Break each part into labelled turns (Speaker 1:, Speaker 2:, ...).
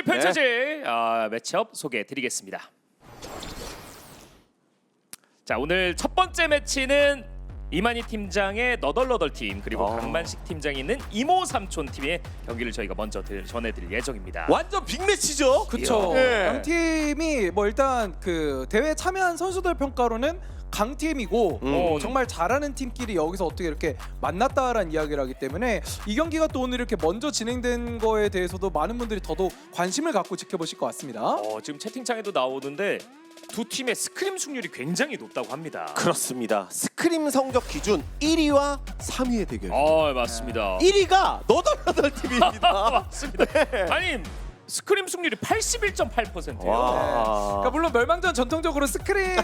Speaker 1: 펼쳐질 매치업 소개해드리겠습니다. 자, 오늘 첫 번째 매치는 이만희 팀장의 너덜너덜 팀 그리고 강만식 팀장이 있는 이모 삼촌 팀의 경기를 저희가 먼저 전해드릴 예정입니다.
Speaker 2: 완전 빅매치죠.
Speaker 3: 그쵸.
Speaker 2: 예.
Speaker 3: 양 팀이 뭐 일단 그 대회 참여한 선수들 평가로는 강팀이고 정말 잘하는 팀끼리 여기서 어떻게 이렇게 만났다라는 이야기를 하기 때문에 이 경기가 또 오늘 이렇게 먼저 진행된 거에 대해서도 많은 분들이 더더욱 관심을 갖고 지켜보실 것 같습니다.
Speaker 1: 지금 채팅창에도 나오는데 두 팀의 스크림 승률이 굉장히 높다고 합니다.
Speaker 2: 그렇습니다. 스크림 성적 기준 1위와 3위의 대결.
Speaker 1: 맞습니다.
Speaker 2: 1위가 너덜너덜 팀입니다.
Speaker 1: 맞습니다. 아니 스크림 승률이 81.8%예요.
Speaker 2: 와.
Speaker 3: 그러니까 물론 멸망전 전통적으로 스크림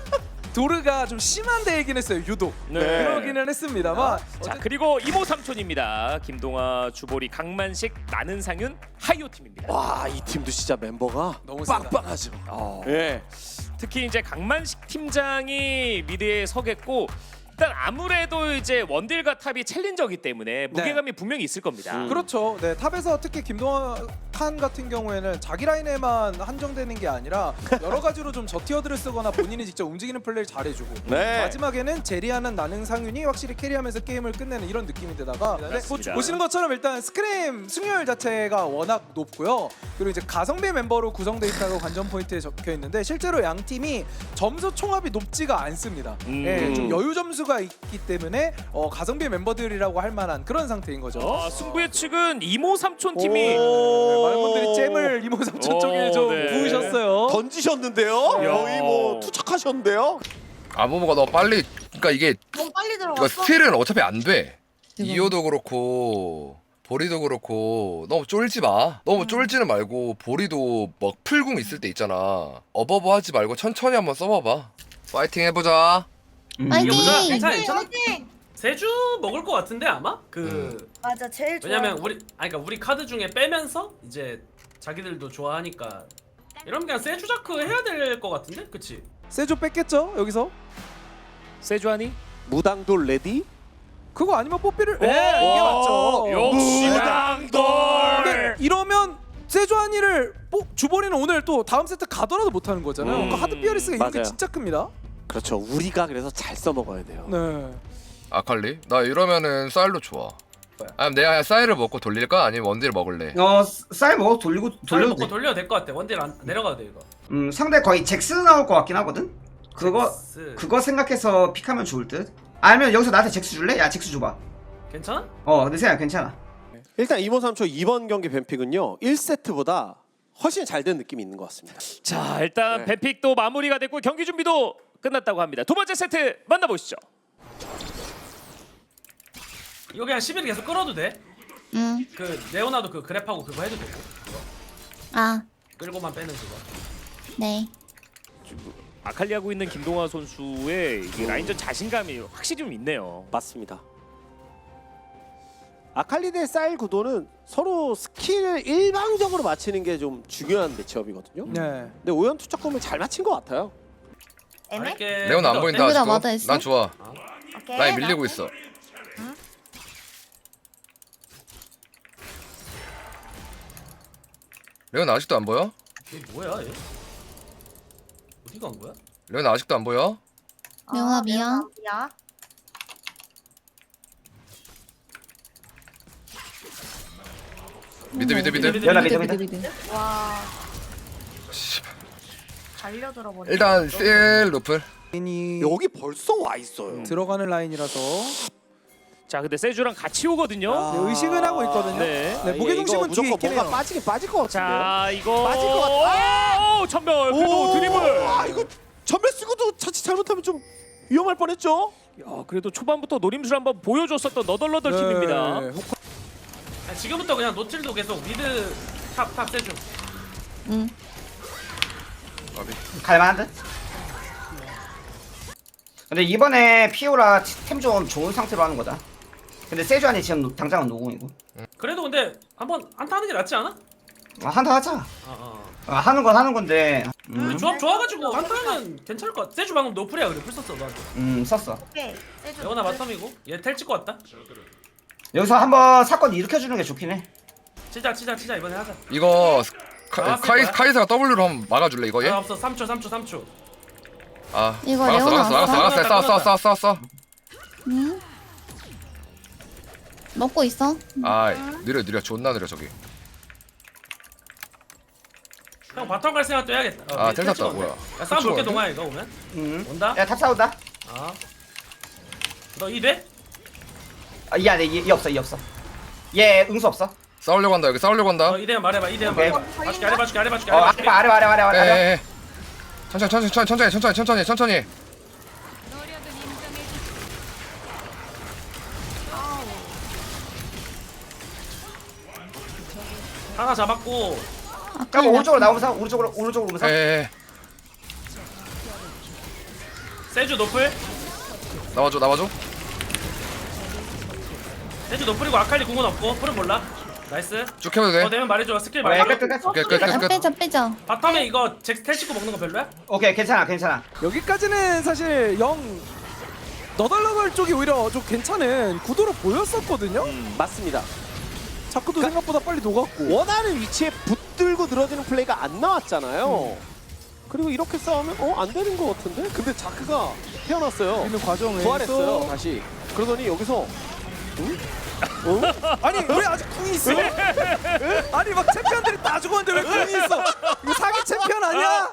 Speaker 3: 도르가 좀 심한 대회긴 했어요. 유독 그러기는 했습니다만
Speaker 1: 자, 그리고 이모 삼촌입니다. 김동아, 주보리, 강만식, 나는 상윤, 하이오 팀입니다.
Speaker 2: 와, 이 팀도 진짜 멤버가
Speaker 3: 너무
Speaker 2: 빵빵하죠. 예.
Speaker 1: 특히 이제 강만식 팀장이 미드에 서겠고 일단 아무래도 이제 원딜과 탑이 챌린저기 때문에 무게감이 분명히 있을 겁니다.
Speaker 3: 그렇죠. 네, 탑에서 특히 김동환 같은 경우에는 자기 라인에만 한정되는 게 아니라 여러 가지로 좀 저티어들을 쓰거나 본인이 직접 움직이는 플레이를 잘해주고
Speaker 2: 네.
Speaker 3: 마지막에는 제리하는 나능 상윤이 확실히 캐리하면서 게임을 끝내는 이런 느낌인데다가
Speaker 1: 맞습니다.
Speaker 3: 보시는 것처럼 일단 스크림 승률 자체가 워낙 높고요. 그리고 이제 가성비 멤버로 구성돼 있다고 관전 포인트에 적혀 있는데 실제로 양 팀이 점수 총합이 높지가 않습니다. 예, 좀 여유 점수가 있기 때문에 가성비 멤버들이라고 할 만한 그런 상태인 거죠.
Speaker 1: 승부의 측은 이모 삼촌 팀이
Speaker 3: 네, 많은 분들이 잼을 이모 삼촌 쪽에 좀 부으셨어요.
Speaker 2: 던지셨는데요. 거의 뭐 투척하셨는데요.
Speaker 4: 아무모가 너무 빨리 그러니까 이게
Speaker 5: 너무 빨리
Speaker 4: 이거
Speaker 5: 들어갔어.
Speaker 4: 스틸은 어차피 안 돼. 이호도 그렇고 보리도 그렇고 너무 쫄지 마. 너무 쫄지는 말고 보리도 막 풀궁 있을 때 있잖아. 어버버 하지 말고 천천히 한번 써봐봐. 파이팅 해보자.
Speaker 5: 파이팅!
Speaker 6: 괜찮아, 괜찮아.
Speaker 5: 파이팅!
Speaker 6: 세주 먹을 것 같은데 아마
Speaker 5: 맞아, 제일 좋아.
Speaker 6: 왜냐면 그러니까 우리 카드 중에 빼면서 이제 자기들도 좋아하니까 이러면 그냥 세주 자크 해야 될 것 같은데, 그치?
Speaker 3: 세조 뺐겠죠 여기서?
Speaker 1: 세주하니?
Speaker 2: 무당돌 레디?
Speaker 3: 그거 아니면 뽀삐를 이게 맞죠.
Speaker 1: 역시
Speaker 2: 무당돌.
Speaker 3: 근데 이러면 세조한이를 주버리는 오늘 또 다음 세트 가더라도 못하는 거잖아요. 그러니까 하드 피어리스가 이런 게
Speaker 2: 맞아요.
Speaker 3: 진짜 큽니다.
Speaker 2: 그렇죠. 우리가 그래서 잘 써먹어야 돼요.
Speaker 3: 네.
Speaker 4: 아칼리? 나 이러면은 쌀로 좋아. 아니면 내가 쌀을 먹고 돌릴까? 아니면 원딜 먹을래?
Speaker 7: 쌀 먹어 돌려도
Speaker 6: 돌려도
Speaker 7: 돼.
Speaker 6: 돌려도 될 것 같아. 원딜 안 내려가도 돼 이거.
Speaker 7: 상대 거의 잭스 나올 것 같긴 하거든. 그거 생각해서 픽하면 좋을 듯. 아니면 여기서 나한테 잭스 줄래? 야 잭스 줘봐.
Speaker 6: 괜찮아?
Speaker 7: 내 생각 괜찮아.
Speaker 2: 일단 이모 삼촌 이번 경기 뱀픽은요. 1세트보다 훨씬 잘 된 느낌이 있는 것 같습니다.
Speaker 1: 자, 일단 뱀픽도 마무리가 됐고 경기 준비도 끝났다고 합니다. 두 번째 세트 만나보시죠.
Speaker 6: 이거 그냥 11 계속 끌어도 돼.
Speaker 5: 응.
Speaker 6: 그 네오나도 그 그랩하고 그거 해도 되고.
Speaker 5: 아,
Speaker 6: 끌고만 빼는 그거.
Speaker 5: 네.
Speaker 1: 아칼리 하고 있는 김동화 선수의 이 라인전 자신감이 확실히 좀 있네요.
Speaker 2: 맞습니다. 아칼리 대 쌀 구도는 서로 스킬을 일방적으로 맞히는 게 좀 중요한 매치업이거든요.
Speaker 3: 네.
Speaker 2: 근데 오연 투척금을 잘 맞힌 것 같아요.
Speaker 5: 애매?
Speaker 6: 알게.
Speaker 4: 레온 안 보인다
Speaker 5: 여기다
Speaker 4: 아직도?
Speaker 5: 맞아 있어?
Speaker 4: 난 좋아.
Speaker 5: 오케이.
Speaker 4: 라인 밀리고 있어. 레온 아직도 안 보여?
Speaker 6: 이게 뭐야 얘? 어디 간 거야?
Speaker 4: 레온 아직도 안 보여?
Speaker 5: 명아 미안.
Speaker 8: 야,
Speaker 4: 미드.
Speaker 7: 연아 미드.
Speaker 8: 와. 달려들어 버려.
Speaker 4: 일단 셀 루플.
Speaker 3: 라인이
Speaker 2: 여기 벌써 와 있어요.
Speaker 3: 들어가는 라인이라서
Speaker 1: 자, 근데 세주랑 같이 오거든요.
Speaker 3: 네, 의식은 하고 있거든요.
Speaker 1: 네.
Speaker 3: 네, 무게 중심은
Speaker 2: 이거
Speaker 3: 뒤에
Speaker 2: 무조건
Speaker 3: 있긴
Speaker 2: 뭔가
Speaker 3: 해요.
Speaker 2: 빠지긴 빠질 것 같은데요.
Speaker 1: 자, 이거
Speaker 2: 맞을 것 같아.
Speaker 1: 오, 전멸. 그래도 드리블.
Speaker 2: 아 이거 전멸 쓰고도 자칫 잘못하면 좀 위험할 뻔했죠.
Speaker 1: 야, 그래도 초반부터 노림수를 한번 보여줬었던 너덜너덜 팀입니다.
Speaker 3: 네.
Speaker 6: 아니, 지금부터 그냥 노틸도 계속 미드 탑 세주.
Speaker 5: 응.
Speaker 7: 갈만한 듯. 근데 이번에 피오라 템 좀 좋은 상태로 하는 거다. 근데 세주안이 지금 당장은 노공이고.
Speaker 6: 그래도 근데 한번 한타 하는 게 낫지 않아?
Speaker 7: 한타 하자. 하는 건 하는 건데.
Speaker 6: 우리 조합 좋아가지고 한타는 괜찮을 것 같아. 세주 방금 노플이야. 그래 풀 썼어 너한테.
Speaker 7: 썼어.
Speaker 8: 오케이. 세주.
Speaker 6: 레오나 바텀이고 얘 텔 찍고 왔다.
Speaker 7: 여기서 한번 사건 일으켜주는 게 좋긴 해.
Speaker 6: 치자 이번에 하자.
Speaker 4: 이거
Speaker 6: 나왔을 거야.
Speaker 4: 카이사가 W로 한번 막아줄래 이거 얘?
Speaker 6: 아 없어 3초.
Speaker 4: 아
Speaker 5: 이거
Speaker 4: 막았어
Speaker 5: 레오나
Speaker 4: 막았어
Speaker 5: 왔어?
Speaker 4: 싸워
Speaker 5: 응? 먹고 있어.
Speaker 4: 아이 느려 존나 느려 저기.
Speaker 6: 형 바텀 갈 생각도 해야겠다.
Speaker 4: 아 텔 탔다 뭐야.
Speaker 6: 야 싸움 볼게 동아 이거 오면. 온다?
Speaker 7: 야탑 싸운다.
Speaker 6: 너 2대?
Speaker 7: 아얘 없어 얘 없어. 얘 응수 없어.
Speaker 4: 싸우려고 한다 여기 싸우려고 한다.
Speaker 6: 2대만 말해봐 2대만
Speaker 7: 오케이.
Speaker 6: 말해봐. 봐줄게 아래 봐줄게 아래 봐줄게
Speaker 7: 어
Speaker 6: 아래 봐줄게.
Speaker 7: 아래.
Speaker 4: 에에에 천천히.
Speaker 6: 하나 잡았고
Speaker 5: 아까
Speaker 7: 그럼 오른쪽으로 나오면서 오른쪽으로 오면서.
Speaker 4: 에에에
Speaker 6: 세주 노플
Speaker 4: 나와줘.
Speaker 6: 세주 노플이고 아칼리 궁은 없고 풀은 몰라. 나이스.
Speaker 4: 쭉 해도 돼.
Speaker 6: 되면 말해줘 스킬
Speaker 7: 어, 야,
Speaker 6: 말해줘.
Speaker 7: 끝.
Speaker 4: 오케이 끝.
Speaker 5: 빼자.
Speaker 6: 바텀에 이거 텔 찍고 먹는 거 별로야?
Speaker 7: 오케이 괜찮아.
Speaker 3: 여기까지는 사실 너덜너덜 쪽이 오히려 좀 괜찮은 구도로 보였었거든요.
Speaker 2: 맞습니다.
Speaker 3: 자크도 생각보다 빨리 녹았고.
Speaker 2: 원하는 위치에 붙들고 늘어지는 플레이가 안 나왔잖아요. 그리고 이렇게 싸우면 안 되는 것 같은데? 근데 자크가 태어났어요.
Speaker 3: 있는 과정에서
Speaker 2: 부활했어요. 다시. 그러더니 여기서
Speaker 3: 아니 왜 아직 궁이 있어? 아니 막 챔피언들이 다 죽었는데 왜 궁이 있어? 이거 사기 챔피언 아니야?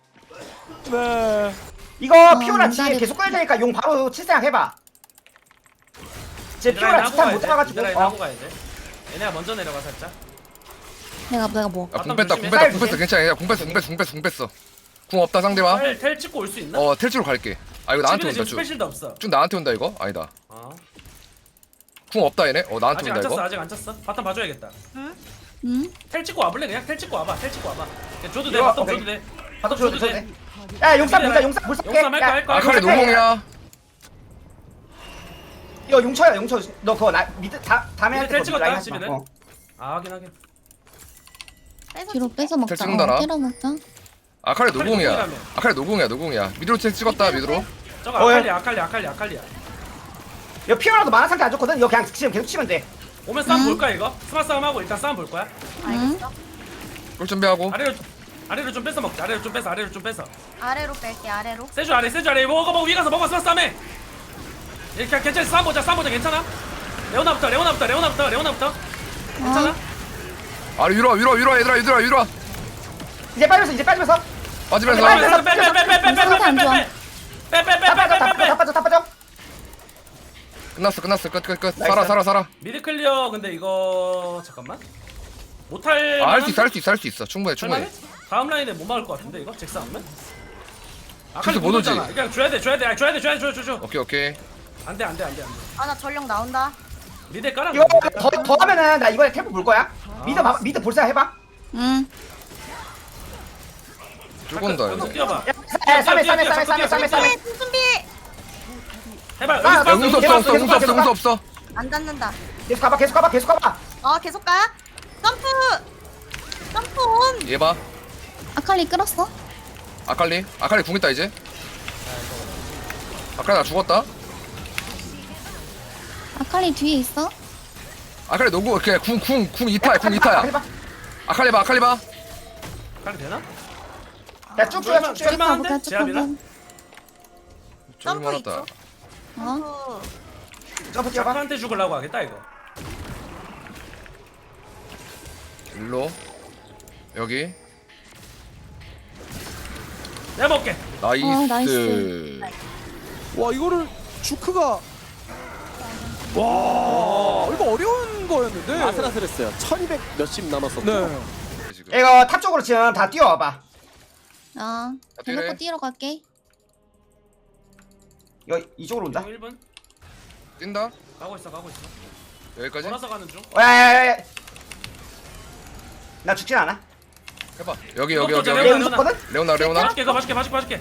Speaker 3: 네.
Speaker 7: 이거 피오라 지에
Speaker 5: 문다리
Speaker 7: 계속 끌 테니까 용 바로 칠생각 해봐. 제 피오라 지탄 못 잡아가지고.
Speaker 6: 미드라인 하고 가야 돼. 얘네가 먼저 내려가 살짝.
Speaker 5: 내가 뭐.
Speaker 4: 야궁 뺐다
Speaker 7: 조심해.
Speaker 4: 괜찮아. 야, 궁 뺐어. 궁 없다 상대방.
Speaker 6: 텔 찍고 올 수 있나?
Speaker 4: 텔치로 갈게. 아 이거 나한테 온다
Speaker 6: 지금
Speaker 4: 쭉.
Speaker 6: 스페셜도 없어.
Speaker 4: 쭉 나한테 온다 이거? 아니다.
Speaker 6: 어.
Speaker 4: 궁 없다 얘네? 나한테
Speaker 6: 아직
Speaker 4: 온다
Speaker 6: 안 찼어
Speaker 4: 이거?
Speaker 6: 아직 안 찼어. 바텀 봐줘야겠다.
Speaker 5: 응?
Speaker 6: 텔 찍고 와볼래 그냥? 텔 찍고 와봐. 텔 찍고 와봐. 그냥 줘도 돼.
Speaker 7: 이거,
Speaker 6: 바텀
Speaker 7: 오케이.
Speaker 6: 줘도 돼.
Speaker 7: 바텀 줘도 돼. 야 용삼 보자 용삼
Speaker 6: 용삼 할 거야.
Speaker 4: 아칼리 노공이야.
Speaker 7: 이거 용쳐야 용쳐. 너 그거 나 밑에 다음에
Speaker 6: 밑에 텔 찍었다,
Speaker 7: 라인 하지 마.
Speaker 6: 집에는. 아 확인.
Speaker 5: 뒤로 뺏어 먹자.
Speaker 4: 텔 찍는다나?
Speaker 5: 때려 먹자.
Speaker 4: 아칼리 노공이야.
Speaker 6: 노공이라며.
Speaker 4: 아칼리 노공이야. 미드로 책 찍었다 미드로.
Speaker 6: 저거
Speaker 7: 어,
Speaker 6: 아칼리야.
Speaker 7: 이거 피오라도 만화 상태 안 좋거든. 이거 그냥 지금 계속 치면 돼.
Speaker 6: 오면 싸움 볼까 이거? 스마 싸움 하고 일단 싸움 볼 거야.
Speaker 8: 알겠어.
Speaker 4: 꿀 준비하고.
Speaker 6: 아래로 좀 뺏어 먹자. 아래로 좀 뺏어.
Speaker 8: 아래로 뺄게 아래로.
Speaker 6: 세주 아래 먹어 위 가서 먹어 스마 싸움해. 이렇게 괜찮아 싸움 보자 괜찮아? 레오나부터 괜찮아?
Speaker 4: 아래 위로 와 얘들아.
Speaker 7: 이제 빠지면서.
Speaker 4: 빠지면서.
Speaker 7: 다 빠져.
Speaker 4: 끝났어. 끝. 살아.
Speaker 6: 미드 클리어 근데 이거 잠깐만 못할
Speaker 4: 할 수 있어. 충분해.
Speaker 6: 할만해? 다음 라인에 못 막을 것 같은데 이거 잭스 하면?
Speaker 4: 잭스 못 오지?
Speaker 6: 그냥 줘야 돼 줘.
Speaker 4: 오케이.
Speaker 6: 안돼
Speaker 8: 아 나 전령 나온다.
Speaker 6: 미드 깔아.
Speaker 7: 이거 더 하면은 나 이번에 템포 볼 거야. 미드 볼 생각 해봐.
Speaker 5: 응.
Speaker 4: 쭉 온다
Speaker 6: 계속
Speaker 4: 이제.
Speaker 6: 뛰어봐.
Speaker 7: 야, 쌈에.
Speaker 8: 준비.
Speaker 6: 해봐.
Speaker 7: 아,
Speaker 6: 여기서
Speaker 7: 야,
Speaker 6: 싸움
Speaker 4: 응수 없어.
Speaker 8: 안 닿는다.
Speaker 7: 계속 가봐.
Speaker 8: 계속 가. 점프 온.
Speaker 4: 얘 봐.
Speaker 5: 아칼리 끌었어?
Speaker 4: 아칼리 궁 있다 이제. 아칼리 나 죽었다.
Speaker 5: 아칼리 뒤에 있어?
Speaker 4: 아칼리 노구 그냥 궁 2타야. 아칼리 봐.
Speaker 6: 깔 되나?
Speaker 7: 야, 쭉.
Speaker 6: 할만한데?
Speaker 5: 가볼까?
Speaker 6: 제압이나?
Speaker 5: 조금.
Speaker 4: 저기 많았다.
Speaker 5: 어?
Speaker 7: 점프 뛰어봐.
Speaker 6: 자크한테 죽으려고 하겠다 이거.
Speaker 4: 일로 여기
Speaker 6: 내가 먹게.
Speaker 4: 나이스.
Speaker 5: 나이스.
Speaker 3: 와 이거를 주크가 와 이거 어려운 거였는데.
Speaker 2: 아슬아슬했어요. 1200 몇십 남았었죠.
Speaker 3: 네.
Speaker 4: 지금.
Speaker 7: 이거 탑 쪽으로 지금 다 뛰어와봐.
Speaker 5: 대놓고
Speaker 4: 뛰래.
Speaker 5: 뛰러 갈게.
Speaker 7: 이거 이쪽으로 온다.
Speaker 6: 1분
Speaker 4: 뛴다.
Speaker 6: 가고 있어.
Speaker 4: 여기까지
Speaker 6: 돌아서 가는 중.
Speaker 7: 야. 나 죽진 않아.
Speaker 4: 해봐. 여기.
Speaker 7: 얘
Speaker 6: 레오나.
Speaker 7: 응수거든?
Speaker 4: 레오나.
Speaker 6: 봐줄게.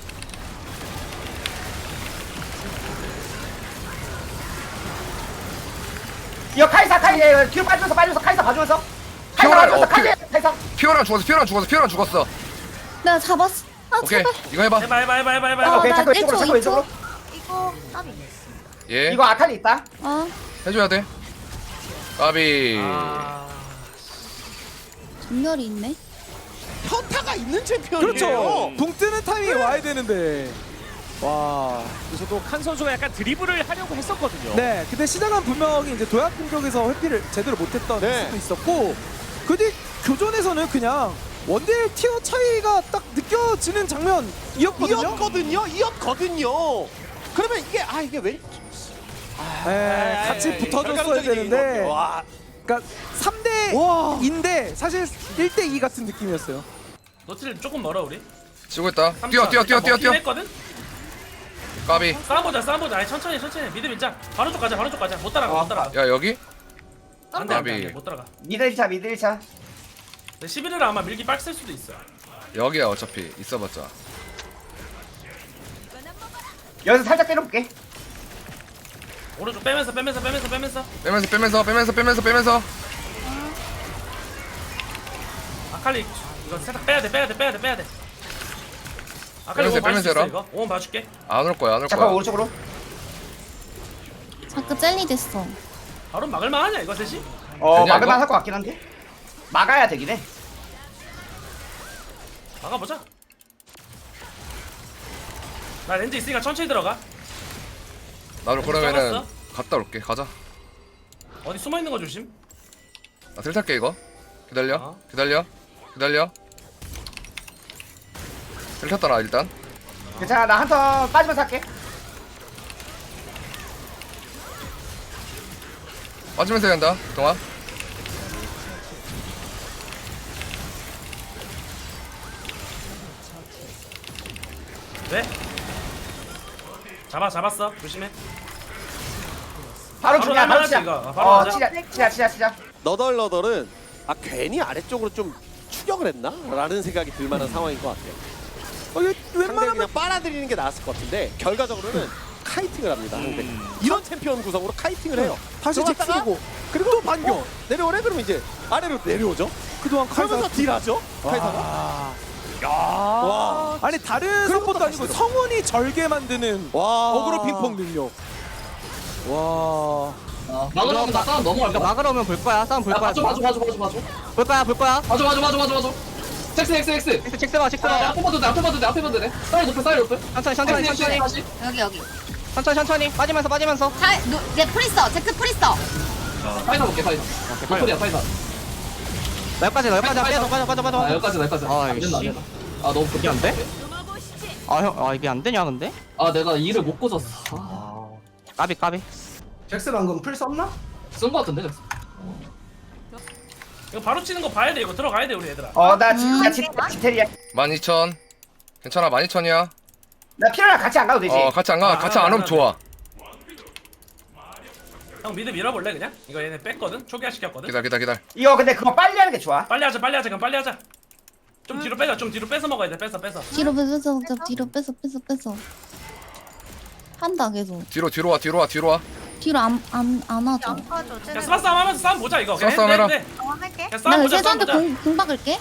Speaker 7: 이거 카이사 뒤로 빠지면서 카이사 봐주면서. 카이사.
Speaker 4: 피오랑 죽었어.
Speaker 5: 내가 잡았어. 아
Speaker 4: 오케이.
Speaker 5: 제발.
Speaker 4: 이거 해봐.
Speaker 6: 해봐.
Speaker 7: 오케이,
Speaker 5: 나
Speaker 7: 자꾸 왼쪽으로,
Speaker 5: 1초,
Speaker 7: 자꾸 왼쪽으로.
Speaker 8: 이거 까비.
Speaker 4: 예.
Speaker 7: 이거 아칼리 있다.
Speaker 4: 해줘야 돼. 까비.
Speaker 6: 아,
Speaker 5: 전멸이 있네.
Speaker 2: 효과가 있는 챔피언이에요.
Speaker 3: 그렇죠. 붕 뜨는 타이밍에 와야 되는데. 와.
Speaker 1: 그래서도 칸 선수가 약간 드리블을 하려고 했었거든요.
Speaker 3: 네. 근데 시작은 분명히 이제 도약 공격에서 회피를 제대로 못했던
Speaker 2: 네.
Speaker 3: 수도 있었고, 그 뒤 교전에서는 그냥 원딜 티어 차이가 딱 느껴지는 장면이었거든요.
Speaker 2: 이었거든요. 그러면 이게 이게 왜
Speaker 3: 네, 같이 붙어줬어야 되는데.
Speaker 2: 와.
Speaker 3: 그러니까 3대
Speaker 2: 와.
Speaker 3: 2인데 사실 1대 2 같은 느낌이었어요.
Speaker 6: 노틸 조금 멀어 우리.
Speaker 4: 치고 있다. 뛰어.
Speaker 6: 했거든.
Speaker 4: 까비.
Speaker 6: 싸워보자. 아니 천천히 미드 밀자. 바로 쪽 가자. 못 따라가.
Speaker 4: 야 여기?
Speaker 6: 안돼
Speaker 4: 까비.
Speaker 6: 못 따라가.
Speaker 7: 미드 1차 미드 1차.
Speaker 6: 11을 아마 밀기 빡셀 수도 있어.
Speaker 4: 여기야 어차피 있어봤자.
Speaker 7: 여기서 살짝 때려볼게.
Speaker 6: 오른쪽 빼면서.
Speaker 4: 빼면서.
Speaker 6: 아칼리 이거 살짝 빼야 돼. 아칼리
Speaker 4: 빼면서,
Speaker 6: 오면 봐줄 수 있어
Speaker 4: 빼면서
Speaker 6: 이거. 오면 봐줄게.
Speaker 4: 안 올 거야.
Speaker 7: 잠깐 오른쪽으로.
Speaker 5: 자크 젤리 됐어.
Speaker 6: 바로 막을만 하냐 이거 셋이?
Speaker 4: 그냥
Speaker 7: 막을만
Speaker 4: 이거?
Speaker 7: 할 것 같긴 한데. 막아야 되긴 해.
Speaker 6: 막아보자. 나 렌즈 있으니까 천천히 들어가.
Speaker 4: 나도 그러면은
Speaker 6: 잡았어?
Speaker 4: 갔다 올게. 가자.
Speaker 6: 어디 숨어 있는 거 조심.
Speaker 4: 나 텔 탈게 이거. 기다려.
Speaker 6: 어.
Speaker 4: 기다려. 텔 탔다 나 일단.
Speaker 7: 괜찮아 나 한 턴 빠지면서 할게.
Speaker 4: 빠지면서 해야 한다. 동아.
Speaker 6: 왜? 잡았어. 조심해.
Speaker 7: 바로
Speaker 6: 바로
Speaker 7: 주냐 바로
Speaker 6: 날만하지,
Speaker 7: 치자.
Speaker 6: 이거. 바로 가자.
Speaker 7: 치자.
Speaker 2: 너덜너덜은 괜히 아래쪽으로 좀 추격을 했나? 라는 생각이 들 만한 상황인 것 같아요.
Speaker 3: 이거
Speaker 2: 상대를
Speaker 3: 웬만하면
Speaker 2: 그냥 빨아들이는 게 나았을 것 같은데 결과적으로는 카이팅을 합니다. 상대. 이런 챔피언 구성으로 카이팅을 해요.
Speaker 3: 다시
Speaker 2: 들어갔다가
Speaker 3: 잭스고
Speaker 2: 그리고 또 반격 내려오래 그러면 이제 아래로 내려오죠.
Speaker 3: 그동안
Speaker 2: 그러면서
Speaker 3: 카이사.
Speaker 2: 딜하죠. 카이사가.
Speaker 3: 와.
Speaker 2: 와.
Speaker 3: 아니 다른
Speaker 2: 그런
Speaker 3: 것도
Speaker 2: 것도
Speaker 3: 아니고
Speaker 2: 하시더라고.
Speaker 3: 성운이 절개 만드는
Speaker 2: 와.
Speaker 3: 어그로 핑퐁 능력. 와.
Speaker 9: 막으러면 나 싸움 넘어갈까? 막으러면 볼 거야. 싸움 볼 거야. 봐줘. 볼 거야. 봐줘. 잭스 봐. 앞에 봐도 돼. 사이 높여. 천천히. 천천히. 빠지면서.
Speaker 8: 얘 프리스터. 잭스 프리스터.
Speaker 9: 여기까지 빠져. 아, 이씨. 너무 급이 안 돼? 형, 이게 안 되냐, 근데?
Speaker 10: 내가 일을 못 꽂았어.
Speaker 9: 까비.
Speaker 3: 잭스 방금 풀 썼나?
Speaker 10: 쓴 거 같은데, 잭스.
Speaker 6: 이거 바로 치는 거 봐야 돼. 이거 들어가야 돼 우리 얘들아.
Speaker 7: 나 진짜 지텔이야.
Speaker 4: 12,000. 괜찮아 12,000이야.
Speaker 7: 나 피라랑 같이 안 가도 되지.
Speaker 4: 같이 안 가. 같이 안 오면 좋아.
Speaker 6: 형 미드 밀어볼래 그냥? 이거 얘네 뺐거든? 초기화 시켰거든?
Speaker 4: 기다려.
Speaker 7: 이거 근데 그거 빨리 하는 게 좋아.
Speaker 6: 빨리 하자 그럼 빨리 하자. 좀 뒤로 빼자. 좀 뒤로 뺏어 먹어야 돼. 뺏어.
Speaker 5: 뒤로 뺏어 먹자. 뒤로 뺏어. 한다 계속.
Speaker 4: 뒤로 와.
Speaker 5: 뒤로 안 하죠.
Speaker 6: 그냥 스마 싸움 하면서 싸움 보자 이거.
Speaker 4: 스마 싸움 해라.
Speaker 6: 돼.
Speaker 8: 할게.
Speaker 6: 그냥 싸움
Speaker 5: 나
Speaker 6: 보자.
Speaker 5: 세주한테
Speaker 6: 싸움 보자.
Speaker 5: 공 박을게.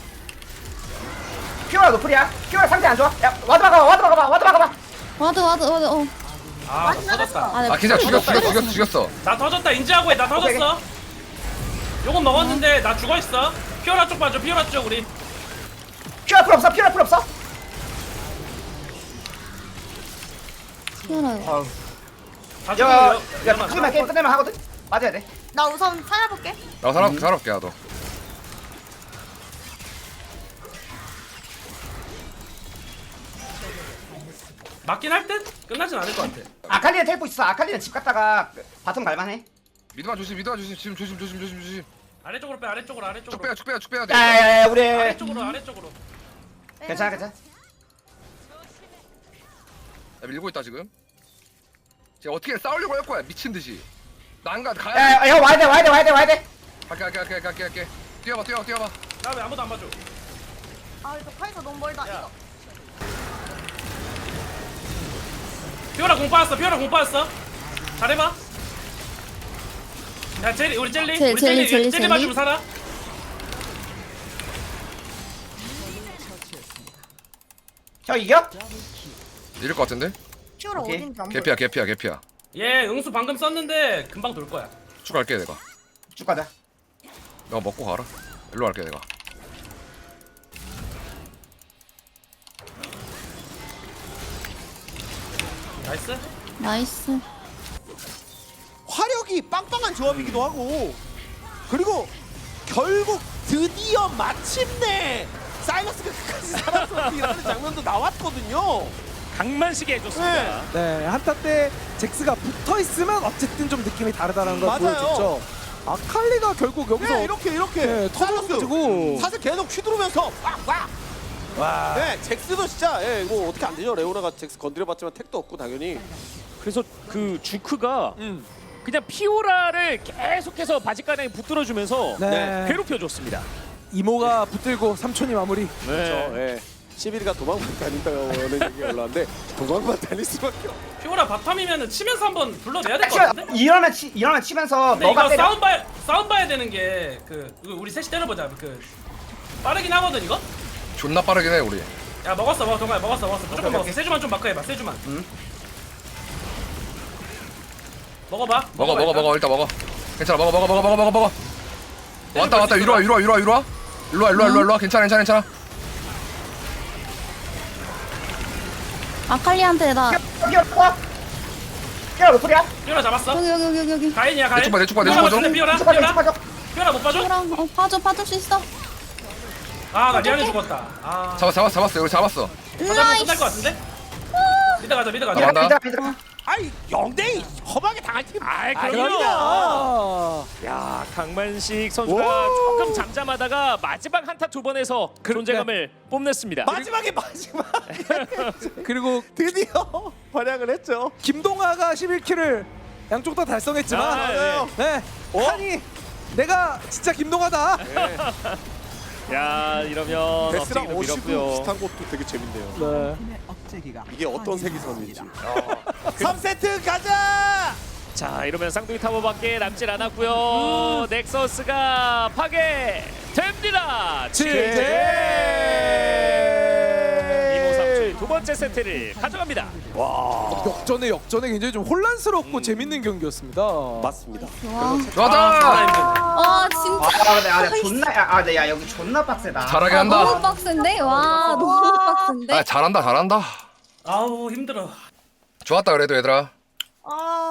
Speaker 7: 피오라 노플이야. 피오라 상태 안 좋아. 야 와드 막아봐.
Speaker 5: 와드.
Speaker 6: 아 터졌다.
Speaker 4: 괜찮아. 죽였어.
Speaker 6: 나 터졌다. 인지하고 해. 나 터졌어. 요건 먹었는데 나 죽어있어. 피오라 쪽 봐줘. 피오라 쪽 우리.
Speaker 7: 피오라 풀 없어.
Speaker 5: 튀어나요.
Speaker 6: 다 죽어.
Speaker 7: 야 끝내면 게임 끝내면 하거든. 맞아야 돼.
Speaker 8: 나 우선 살아볼게.
Speaker 4: 나 살아볼게 나도.
Speaker 6: 맞긴 할 듯? 끝나진 않을 것 같아.
Speaker 7: 아칼리는 텔포 있어. 아칼리는 집 갔다가 바텀 갈만해.
Speaker 4: 미드만 조심. 지금 조심.
Speaker 6: 아래쪽으로 빼. 아래쪽으로.
Speaker 4: 쭉 빼야 돼.
Speaker 7: 야야야 우리.
Speaker 6: 아래쪽으로.
Speaker 7: 괜찮아.
Speaker 4: 야, 밀고 있다 지금. 제가 어떻게 싸우려고 할 거야 미친 듯이. 난가 가야.
Speaker 7: 야야 와야 돼.
Speaker 4: 갈게. 뛰어봐.
Speaker 6: 나 왜 아무도 안 봐줘?
Speaker 8: 이거 카이사 너무 멀다.
Speaker 6: 야.
Speaker 8: 이거.
Speaker 6: 피오라 공 빠졌어. 잘해봐. 야 젤리 우리 젤리. 젤리 맞으면 살아.
Speaker 7: 형 이겨?
Speaker 4: 이럴 것 같은데?
Speaker 8: 피오라
Speaker 7: 오케이.
Speaker 8: 어딘지 안 보여.
Speaker 4: 개피야.
Speaker 6: 얘 응수 방금 썼는데 금방 돌 거야.
Speaker 4: 쭉 갈게 내가.
Speaker 7: 쭉 가자.
Speaker 4: 너 먹고 가라. 일로 갈게 내가.
Speaker 6: 나이스.
Speaker 5: 나이스.
Speaker 2: 화력이 빵빵한 조합이기도 하고 그리고 결국 드디어 마침내 사이러스가 끝까지 살았어라는 장면도 나왔거든요.
Speaker 1: 강만식이 해줬습니다.
Speaker 3: 네, 한타 때 잭스가 붙어 있으면 어쨌든 좀 느낌이 다르다는 걸
Speaker 2: 맞아요.
Speaker 3: 보여줬죠. 아칼리가 결국 여기서
Speaker 2: 네, 이렇게
Speaker 3: 네, 터져가지고
Speaker 2: 사실 계속 휘두르면서 빡빡.
Speaker 3: 와.
Speaker 2: 네, 잭스도 진짜 이거 어떻게 안 되죠. 레오나가 잭스 건드려봤지만 택도 없고 당연히.
Speaker 1: 그래서 그 주크가 그냥 피오라를 계속해서 바지가랑에 붙들어주면서
Speaker 3: 네.
Speaker 1: 괴롭혀줬습니다.
Speaker 3: 이모가 붙들고 삼촌이 마무리.
Speaker 2: 그렇죠. 예. 11위가 도망만 다닌다는 얘기가 올라왔는데 도망만 다닐 수밖에 없어.
Speaker 6: 피오라 바텀이면은 치면서 한번 불러내야 될 것 같은데?
Speaker 7: 이러면 치면서
Speaker 6: 근데
Speaker 7: 너가
Speaker 6: 이거
Speaker 7: 때려.
Speaker 6: 싸움 봐야 되는 게 이거 우리 셋이 때려보자. 빠르긴 하거든 이거?
Speaker 4: 존나 빠르긴 해 우리.
Speaker 6: 야 먹었어 동아야 먹었어 무조건
Speaker 7: 오케이,
Speaker 6: 먹었어.
Speaker 7: 오케이.
Speaker 6: 세주만 좀 마크해봐 세주만. 먹어봐.
Speaker 4: 먹어 일단 먹어. 괜찮아 먹어. 왔다 위로 와. 괜찮아.
Speaker 5: 아칼리한테 나
Speaker 7: 피어라 몇 소리야?
Speaker 6: 피오라 잡았어.
Speaker 5: 여기.
Speaker 6: 가인이야 가인.
Speaker 4: 내쪽 봐.
Speaker 6: 피오라 피오라 못 봐줘?
Speaker 5: 그럼 봐줄 수 있어.
Speaker 6: 아나 미안해 죽었다. 아
Speaker 4: 잡았어. 여기 잡았어.
Speaker 6: 가자면 끝날 것 같은데? 미드 가자.
Speaker 4: 나간다.
Speaker 2: 아이 0대2 험하게 당할 팀.
Speaker 1: 아이
Speaker 2: 그럼요.
Speaker 1: 그럼요. 야 강만식 선수가
Speaker 2: 오.
Speaker 1: 조금 잠잠하다가 마지막 한타 두 번에서 존재감을 뽐냈습니다.
Speaker 2: 마지막
Speaker 3: 그리고
Speaker 2: 드디어 활약을 했죠.
Speaker 3: 김동아가 11킬을 양쪽 다 달성했지만
Speaker 1: 아, 맞아요.
Speaker 3: 네. 아니 내가 진짜 김동아다.
Speaker 1: 야 이러면
Speaker 2: 베스랑
Speaker 1: 업체기도
Speaker 2: 어시브
Speaker 1: 밀었고요.
Speaker 2: 비슷한 것도 되게 재밌네요.
Speaker 3: 네.
Speaker 2: 이게 어떤 색이선인지. 3세트 가자.
Speaker 1: 자 이러면 쌍둥이 타워밖에 남질 않았고요. 넥서스가 파괴됩니다. 이모3촌 두 번째 세트를 가져갑니다.
Speaker 3: 역전에 굉장히 좀 혼란스럽고 재밌는 경기였습니다.
Speaker 2: 맞습니다.
Speaker 4: 좋았다.
Speaker 5: 진짜
Speaker 7: 존나 야 여기 존나 빡세다.
Speaker 4: 잘하게
Speaker 5: 너무
Speaker 4: 한다.
Speaker 5: 빡센데? 와 너무 빡센데?
Speaker 4: 잘한다.
Speaker 6: 아우 힘들어.
Speaker 4: 좋았다 그래도 얘들아.
Speaker 8: 아